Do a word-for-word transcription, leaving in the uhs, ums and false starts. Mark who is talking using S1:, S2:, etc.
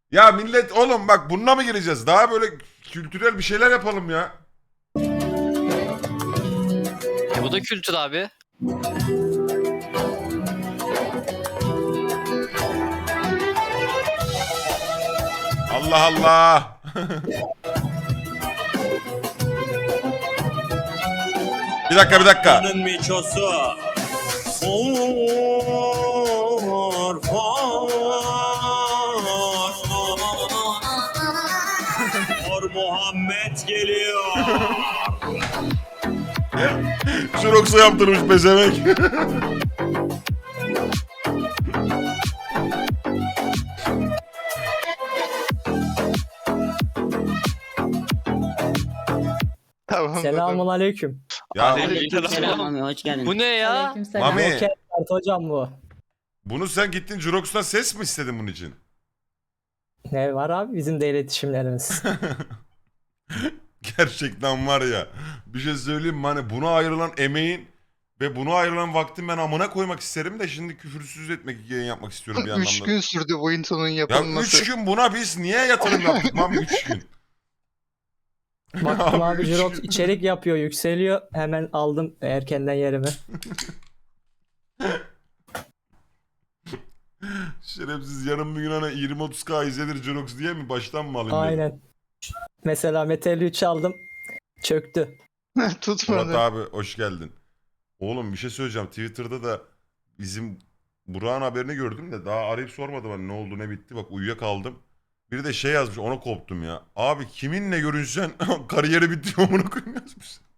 S1: Ya millet oğlum bak bununla mı gireceğiz? Daha böyle kültürel bir şeyler yapalım ya.
S2: E bu da kültür abi.
S1: Allah Allah. Bir dakika bir dakika.
S3: Onun miçosu. For, for, for Muhammed geliyor.
S1: Şuroksa yaptırmış pezevenk.
S4: Tamam.
S5: Selamun aleyküm.
S1: Ya
S6: Aleykümselam Mami, hoş geldin.
S2: Bu ne ya?
S5: Aleykümselam.
S1: Mami.
S5: Roket kart hocam bu.
S1: bunu sen gittin Jurox'tan ses mi istedin bunun için?
S5: Ne var abi bizim de iletişimlerimiz.
S1: Gerçekten var ya. Bir şey söyleyeyim mi? Hani buna ayrılan emeğin ve buna ayrılan vaktin ben amına koymak isterim de şimdi küfürsüz etmek, yayın yapmak istiyorum bir
S4: Üç
S1: anlamda.
S4: gün sürdü bu intonun
S1: Ya
S4: yapılması.
S1: üç gün buna biz niye yatırım yaptık Mami üç gün?
S5: Baktım abi
S1: üç
S5: Jirox
S1: gün.
S5: içerik yapıyor, yükseliyor. Hemen aldım erkenden yerimi.
S1: Şerefsiz yarın bir gün hani yirmi otuz K izlenir Jurox diye mi baştan mı alayım dedim.
S5: Aynen. Mesela Metal üç aldım. Çöktü.
S1: Murat
S4: Tutmadı.
S1: abi hoş geldin. Oğlum bir şey söyleyeceğim. Twitter'da da bizim Burak'ın haberini gördüm de daha arayıp sormadım hani ne oldu ne bitti. Bak uyuyakaldım. Biri de şey yazmış ona koptum ya. Abi kiminle görünsen kariyeri bitiyor onu koyayım yazmış.